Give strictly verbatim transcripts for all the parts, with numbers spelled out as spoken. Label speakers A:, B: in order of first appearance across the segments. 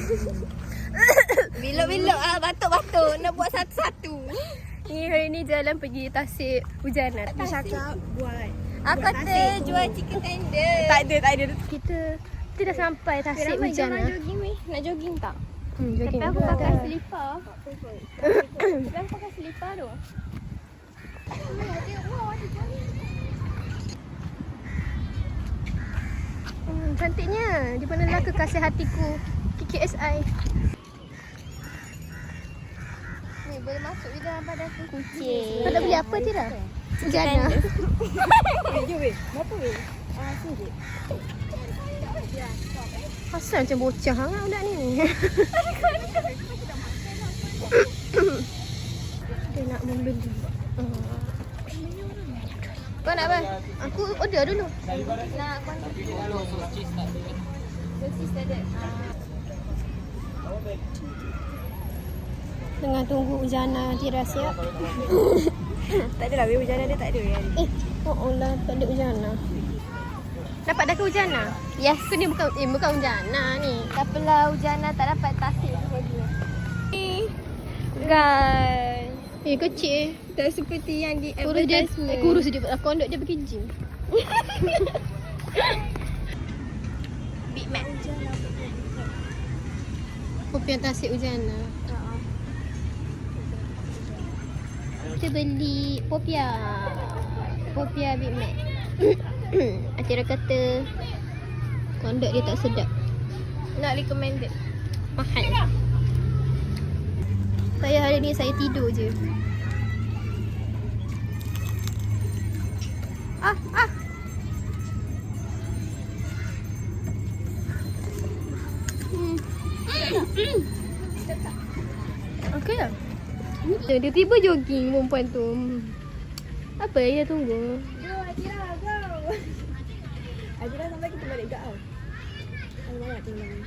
A: Bilok-bilok ah, batuk-batuk nak buat satu-satu.
B: Ni hari ni jalan pergi Tasik Hujanat.
A: Dia cakap buat.
B: Aku
A: kata jual chicken tender.
B: Tak ada, tak ada. Kita kita dah sampai Tasik Hujanat.
A: Nak jogging weh. Nak jogging tak?
B: Hmm, jogging.
A: Tapi aku pakai selipar. Tapi aku pakai selipar tu.
B: Hmm, cantiknya. Di manalah kekasih hatiku K K S I.
A: Ni boleh masuk je dalam badan aku.
B: Kucing. Kau nak beli apa Tira? Hujana.
A: Eh, jom weh. Berapa weh? Ah, RM satu.
B: Asal macam bocah sangat budak ni. Dia nak membeli. Uh. Kau nak apa? Aku order dulu.
A: Nak sosis tak ada.
B: Tengah tunggu Hujana Tira siap.
A: Tak adalah weh, Hujana dia tak ada hari.
B: Eh, oh Allah, tak ada Hujana. Dapat dah ke Hujana?
A: Yes.
B: Ke ni bukan eh bukan Hujana ni.
A: Tak apalah, Hujana tak dapat Tasik tu lagi. Guys.
B: Eh kecil.
A: Tak seperti yang di
B: Kurus dia,
A: advertisement.
B: eh, kurus dia aku ondok dia pergi gym.
A: Big Mac.
B: Kopi Tasik Hujana. Kita beli popia. Popia Big Mac. Atira kata kondok dia tak sedap.
A: Not recommended.
B: Mahal. Saya hari ni saya tidur je. Ah, ah. Hmm. Okey lah. Dia, dia tiba jogging perempuan tu. Apa yang dia tunggu?
A: Go Adira, go. Adira sampai kita balik kat kau. Aku banyak tinggal ni.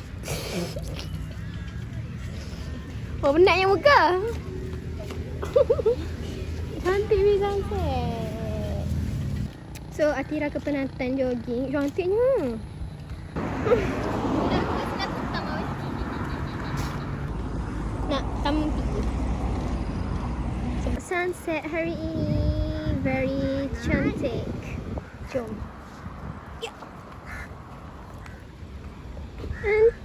B: Oh, penat yang muka. Cantik ni sunset. So, Atira kepenatan jogging. Cantiknya. Nak tampi. So, sunset hari ini very cantik. Jom. And